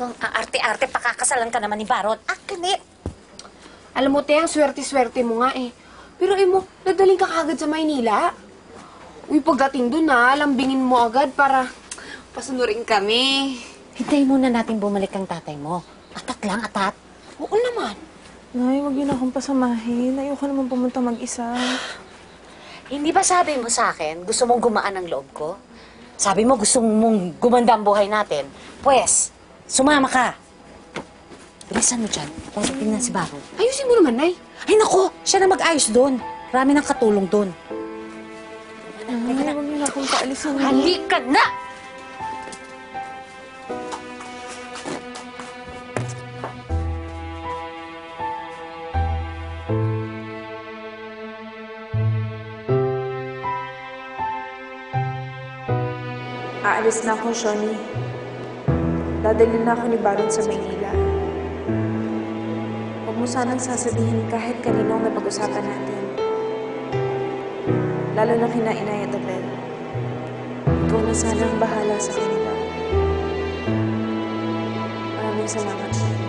Talagang aarte-arte, pakakasalan ka naman ni Baron. Akin eh. Alam mo, te, ang swerte-swerte mo nga eh. Pero mo, nadaling ka kagad sa Maynila. Uy, pagdating dun lambingin mo agad para pasunurin kami. Hintayin muna natin bumalik ang tatay mo. Atat lang, atat. Oo naman. Nay, huwag niyo na akong pasamahin. Ayoko naman pumunta mag-isa. Hindi ba sabi mo sa akin, gusto mong gumaan ang loob ko? Sabi mo, gusto mong gumanda ang buhay natin. Pwes, sumama ka. Bilisan mo dyan. Darating na si Baron. Ayusin mo naman, Nay. Ay, naku! Siya na mag-ayos doon. Marami ng katulong doon. Nay, huwag niyo na akong paalisin. Halika na! Aalis na ako, Shoni. Dadalhin na ako ni Baron sa Maynila. Huwag mo sanang sasabihin kahit kaninong napag-usapan natin. Lalo na kina Inay at Abel. Ikaw na sanang bahala sa kanila. Maraming salamat, Shoni.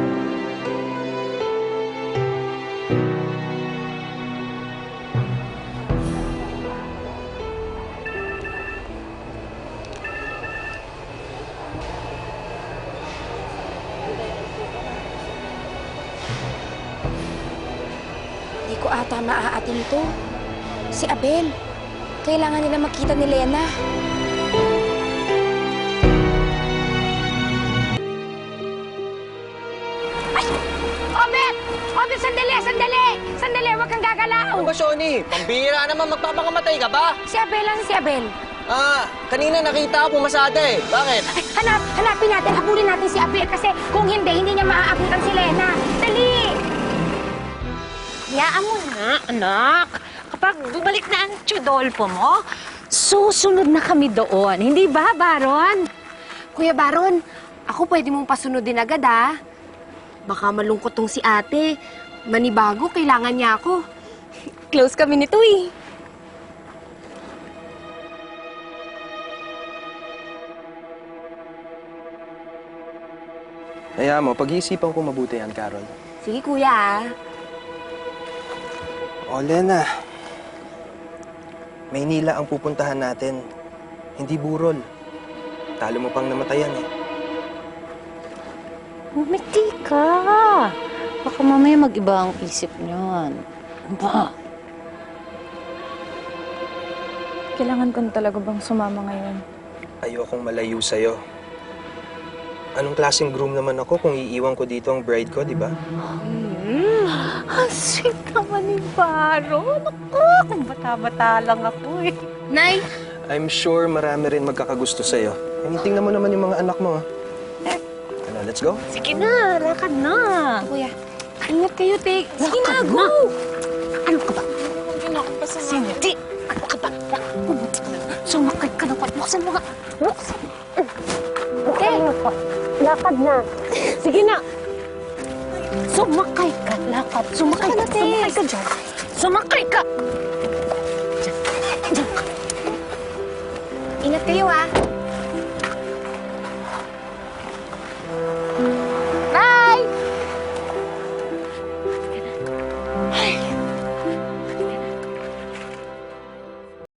Hindi ko ata maaating ito. Si Abel. Kailangan nila makita ni Lena. Ay! Obet! Obet, sandali! Sandali! Sandali! Huwag kang gagalaw! Ano ba, Shoni? Pambira naman, magpapakamatay ka ba? Si Abel, ano si Abel? Kanina nakita ako pumasada eh. Bakit? Ay, hanapin natin, habulin natin si Abel kasi kung hindi niya maaabutan si Lena. Dali! Hayaan mo na, anak. Kapag bumalik na ang Chodolfo mo, susunod na kami doon. Hindi ba, Baron? Kuya Baron, ako pwede mong pasunodin agad, Baka malungkot tong si ate. Manibago, kailangan niya ako. Close kami nito eh. Kaya mo, pag-iisipan ko mabuti yan, Carol. Sige, kuya, O, Lena. Maynila ang pupuntahan natin. Hindi burol. Talo mo pang namatayan eh. Umiti ka. Baka mamaya mag-iba ang isip niyan. Ba? Kailangan ko na talaga bang sumama ngayon? Ayokong malayo sa'yo. Anong klaseng groom naman ako kung iiwan ko dito ang bride ko, di ba? Ang sweet naman ni Baron. Ako, kung bata-bata lang ako eh. Nay! I'm sure marami rin magkakagusto sa'yo. Tingnan mo naman yung mga anak mo, Ano, let's go? Sige na, lakad na. Kuya, ingat kayo, te. Sige na, go! Ano ka ba? Huwag niyo na akong pasamahin. Hindi. Ano ka ba? Sumakay ka na. Buksan mo nga. Buksan. Okay. Lakad na. Sige na. Sumakay ka. Lakad. Sumakay ka. Sumakay ka dyan. Sumakay ka. Dyan. Dyan ka. Ingat kayo,